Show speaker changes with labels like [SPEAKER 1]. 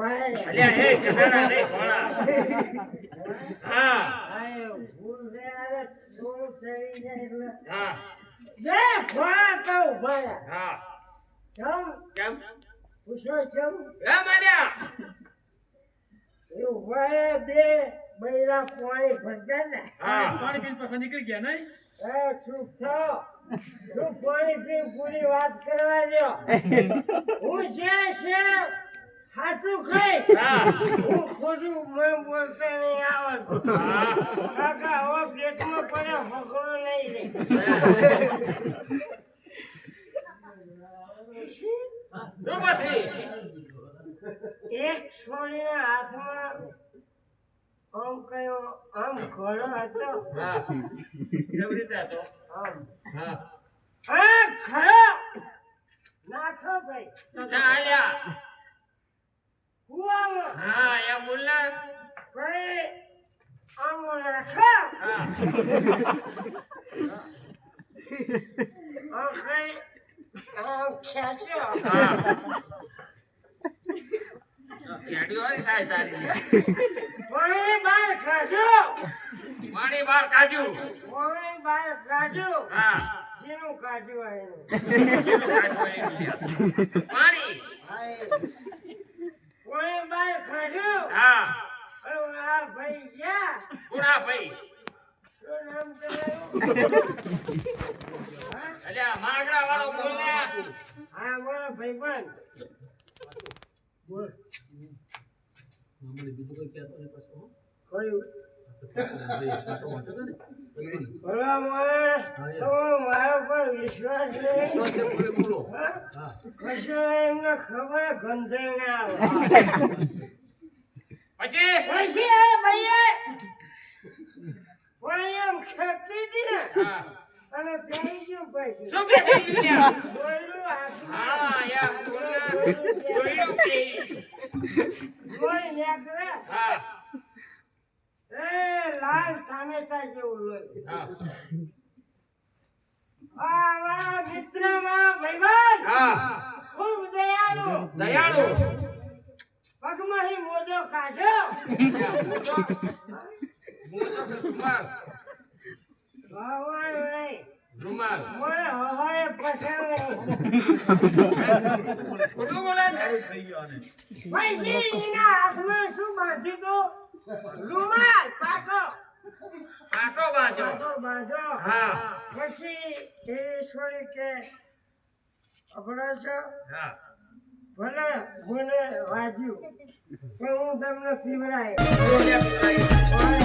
[SPEAKER 1] અલ્યા હે કડાડા રે ઘોડા હા
[SPEAKER 2] આય ભૂલ રે આરે થોડું ચડી જાય એટલે
[SPEAKER 1] હા
[SPEAKER 2] બે ઘોડા તો ઉભા
[SPEAKER 1] હા
[SPEAKER 2] કેમ
[SPEAKER 1] કેમ
[SPEAKER 2] પૂછો કેમ
[SPEAKER 1] એ માલ્યા
[SPEAKER 2] એ ઉભા બે બૈરા પાણી ભરતા ને
[SPEAKER 1] હા
[SPEAKER 3] પાણી પીને પાછા નીકળી ગયા નહીં
[SPEAKER 2] એ ચૂપ થાઓ તું પાણી પી પૂરી વાત કરવા દો હું જે છે હાથું ખાઈ
[SPEAKER 1] હા
[SPEAKER 2] હું ખોટું મેં બોલતા નહીં આવડતું કાકા હવે પેટમાં પડ્યો ફકડો નહીં રે
[SPEAKER 1] રૂપથી
[SPEAKER 2] એક છોડીના હાથમાં આમ કયો આમ ઘોડો હતો
[SPEAKER 1] હા કેવી રીતે હતો
[SPEAKER 2] આમ
[SPEAKER 1] હા
[SPEAKER 2] આ ખરો નાખો ભાઈ
[SPEAKER 1] ના આલ્યા
[SPEAKER 2] કુવામાં
[SPEAKER 1] હા એ બોલના
[SPEAKER 2] ભાઈ આમ નાખો
[SPEAKER 1] હા
[SPEAKER 2] આમ કઈ આમ ખેંચ્યો
[SPEAKER 1] હા કેડીઓ થાય તારી લે
[SPEAKER 2] પાણી બહાર કાઢો
[SPEAKER 1] પાણી બહાર કાઢ્યું
[SPEAKER 2] પાણી બહાર કાઢો
[SPEAKER 1] હા
[SPEAKER 2] જેનું કાઢ્યું એનું
[SPEAKER 1] પાણી
[SPEAKER 2] પાણી બહાર કાઢ્યું
[SPEAKER 1] હા
[SPEAKER 2] અને આ ભાઈ ગયા
[SPEAKER 1] કુડા ભાઈ
[SPEAKER 2] શું નામ તમારું
[SPEAKER 1] અલ્યા માગડા વાળો બોલ ને
[SPEAKER 2] હા મારો ભાઈબંધ બોલ કયું ભલા માણસ તમારો મારા પર વિશ્વાસ નહીં હા? કશું એમને ખબર ગંધે ના આવે
[SPEAKER 1] પછી
[SPEAKER 2] પછી એ ભાઈએ પાણી આમ ખેંચી હતી ને
[SPEAKER 1] હા
[SPEAKER 2] અને પેઈ ગયું પછી
[SPEAKER 1] શું કે થઈ ગયું
[SPEAKER 2] દોયડું હાથમાં
[SPEAKER 1] હા યા બોલના જોઈડું કે
[SPEAKER 2] લોહી નીકળે.
[SPEAKER 1] હા
[SPEAKER 2] એ લાલ ટામેટા જેવું લોહી.
[SPEAKER 1] હા
[SPEAKER 2] આ મારા મિત્ર મારા ભાઈબંધ
[SPEAKER 1] હા
[SPEAKER 2] ખૂબ દયાળુ
[SPEAKER 1] દયાળુ
[SPEAKER 2] પગમાંથી મોજો કાઢ્યો
[SPEAKER 1] રૂમાલ
[SPEAKER 2] ભગવાન નહીં
[SPEAKER 1] રૂમાલ
[SPEAKER 2] મને હવાએ પસાવે
[SPEAKER 1] ખોટું બોલે છે
[SPEAKER 2] પછી એના હાથમાં શું બાંધ્યું તું? રૂમાલ પાકો
[SPEAKER 1] પાટો બાજો
[SPEAKER 2] પાકો બાંધો.
[SPEAKER 1] હા
[SPEAKER 2] પછી એ છોડી કે અઘડો છો
[SPEAKER 1] હા
[SPEAKER 2] ભલે મને વાગ્યું પણ હું તમને પીવડાય
[SPEAKER 1] બોલ્યા